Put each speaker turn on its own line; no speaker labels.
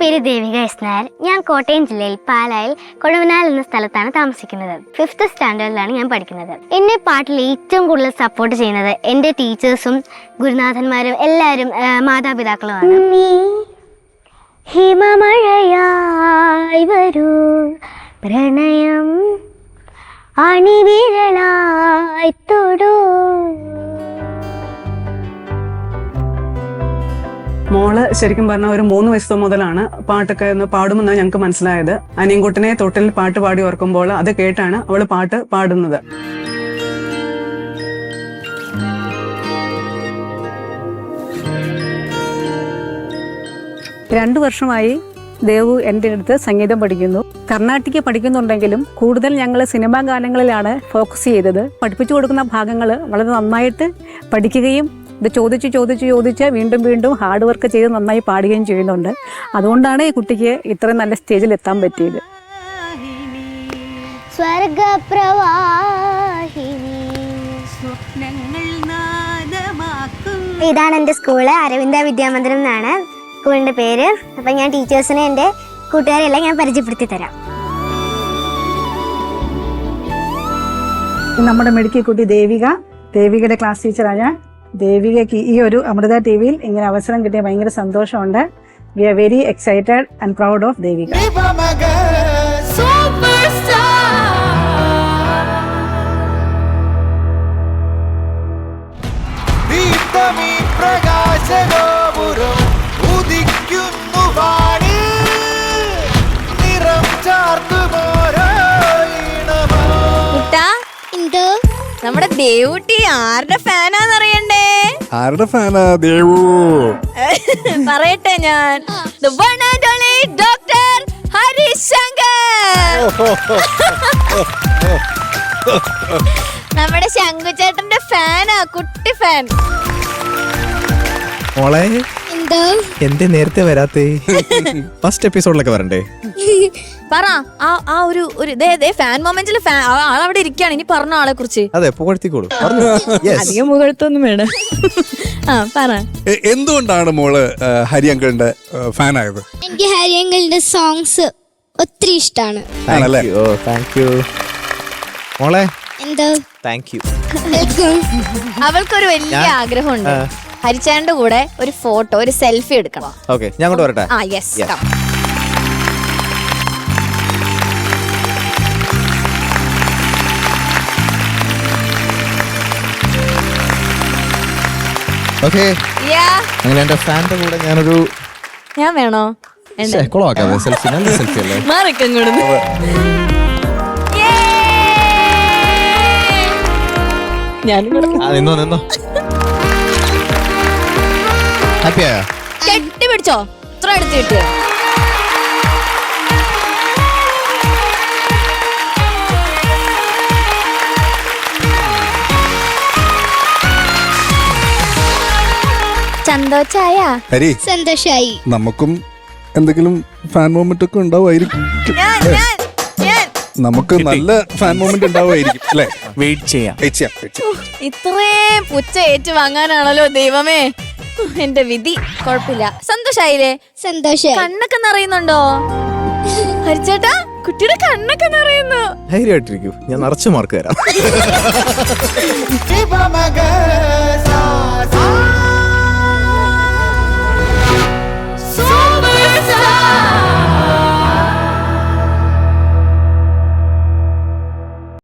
പേര് ദേവിക എസ് നായർ. ഞാൻ കോട്ടയം ജില്ലയിൽ പാലായിൽ കൊഴുവനാൽ എന്ന സ്ഥലത്താണ് താമസിക്കുന്നത്. 5th സ്റ്റാൻഡേർഡിലാണ് ഞാൻ പഠിക്കുന്നത്. എന്നെ പാട്ടിൽ ഏറ്റവും കൂടുതൽ സപ്പോർട്ട് ചെയ്യുന്നത് എൻ്റെ ടീച്ചേഴ്സും ഗുരുനാഥന്മാരും എല്ലാവരും മാതാപിതാക്കളുമാണ്. ഹിമമഴയായി വരൂ പ്രണയം അണിവിരലായി തൊടൂ.
മോള് ശരിക്കും പറഞ്ഞാൽ ഒരു 3 വയസ്സ് മുതലാണ് പാട്ടൊക്കെ ഒന്ന് പാടുമെന്നാണ് ഞങ്ങൾക്ക് മനസ്സിലായത്. അനിയൻകുട്ടനെ തൊട്ടിൽ പാട്ട് പാടി ഓർക്കുമ്പോൾ അത് കേട്ടാണ് അവള് പാട്ട് പാടുന്നത്.
രണ്ടു വർഷമായി ദേവു എൻ്റെ അടുത്ത് സംഗീതം പഠിക്കുന്നു. കർണാട്ടിക് പഠിക്കുന്നുണ്ടെങ്കിലും കൂടുതൽ ഞങ്ങൾ സിനിമാ ഗാനങ്ങളിലാണ് ഫോക്കസ് ചെയ്തത്. പഠിപ്പിച്ചു കൊടുക്കുന്ന ഭാഗങ്ങൾ വളരെ നന്നായിട്ട് പഠിക്കുകയും ഇത് ചോദിച്ച് വീണ്ടും വീണ്ടും ഹാർഡ് വർക്ക് ചെയ്ത് നന്നായി പാടുകയും ചെയ്യുന്നുണ്ട്. അതുകൊണ്ടാണ് ഈ കുട്ടിക്ക് ഇത്രയും നല്ല സ്റ്റേജിൽ എത്താൻ പറ്റിയത്.
ഇതാണ് എൻ്റെ സ്കൂള്, അരവിന്ദ വിദ്യാമന്ദിരം എന്നാണ് സ്കൂളിൻ്റെ പേര്. അപ്പം ഞാൻ ടീച്ചേഴ്സിനെ എൻ്റെ കൂട്ടുകാരെല്ലാം ഞാൻ പരിചയപ്പെടുത്തി തരാം.
നമ്മുടെ മെഡിക്കൽ കുട്ടി ദേവികയുടെ ക്ലാസ് ടീച്ചറാണ് ഞാൻ. ദേവികയ്ക്ക് ഈ ഒരു അമൃത ടിവിയിൽ ഇങ്ങനെ അവസരം കിട്ടിയ ഭയങ്കര സന്തോഷമുണ്ട്. We are very excited and proud of Devika.
നമ്മുടെ ദേവുട്ടി ആരുടെ ഫാനാന്നറിയണ്ടേ?
ആരുടെ ഫാനാ ദേവു?
പറയട്ടെ ഞാൻ, the one and only Dr. Harishankar. നമ്മുടെ ശങ്കുചേട്ടന്റെ ഫാനാ, കുട്ടി ഫാൻ.
മോളെ എന്തേ നേരത്തെ വരാത്തേ? ഫസ്റ്റ് എപ്പിസോഡിലൊക്കെ വരണ്ടേ?
പറ ആ ഒരു ഫാൻ മൊമെന്റിൽ ആളവിടെ ഇരിക്കുകയാണ്. ഇനി പറഞ്ഞ ആളെ കുറിച്ച്.
അതെ, പുകഴ്ത്തിക്കോളൂ.
അധികം മുഖത്തൊന്നും വേണം. പറ,
എന്തുകൊണ്ടാണ് മോള് ഹരി അങ്കിളിന്റെ ഫാൻ ആയത്?
എനിക്ക് ഹരി അങ്കിളിന്റെ സോങ്സ് ഒത്തിരി ഇഷ്ടമാണ്.
മോളെ
അവൾക്കൊരു വലിയ ആഗ്രഹമുണ്ട്, ഹരിച്ചേട്ടന്റെ കൂടെ ഒരു ഫോട്ടോ, ഒരു സെൽഫി എടുക്കണം.
ഓക്കെ, ഞാൻ അങ്ങോട്ട് വരട്ടെ?
യെസ്.
ഓക്കെ, അങ്ങനെ എന്റെ ഫാന്റെ കൂടെ
ഞാൻ വേണോ?
കുളമാക്കാതെ സെൽഫി, നല്ല സെൽഫി അല്ലേ? നിന്നോ ഹാപ്പിയാ?
കെട്ടിപ്പിടിച്ചോ, ഇത്ര എടുത്ത് കിട്ടിയോ?
സന്തോഷായി.
നമുക്കും എന്തെങ്കിലും ഫാൻ മൊമെന്റ് ഒക്കെ ഉണ്ടാവുമായിരിക്കും. നമുക്ക് നല്ല ഫാൻ മൊമെന്റ് ഉണ്ടാവുമായിരിക്കും അല്ലേ? വെയിറ്റ് ചെയ്യാം.
ഇത്രയും പുച്ച ഏറ്റു വാങ്ങാനാണല്ലോ ദൈവമേ എന്റെ വിധി. കുഴപ്പമില്ല. സന്തോഷായില്ലേ? സന്തോഷം. കണ്ണൊക്കെ നിറയുന്നുണ്ടോ ഹരിച്ചേട്ടാ? കുട്ടിയുടെ കണ്ണൊക്കെ നിറയുന്നു.
ധൈര്യമായിട്ടിരിക്കൂ, ഞാൻ നിറച്ചു മാർക്ക് തരാം.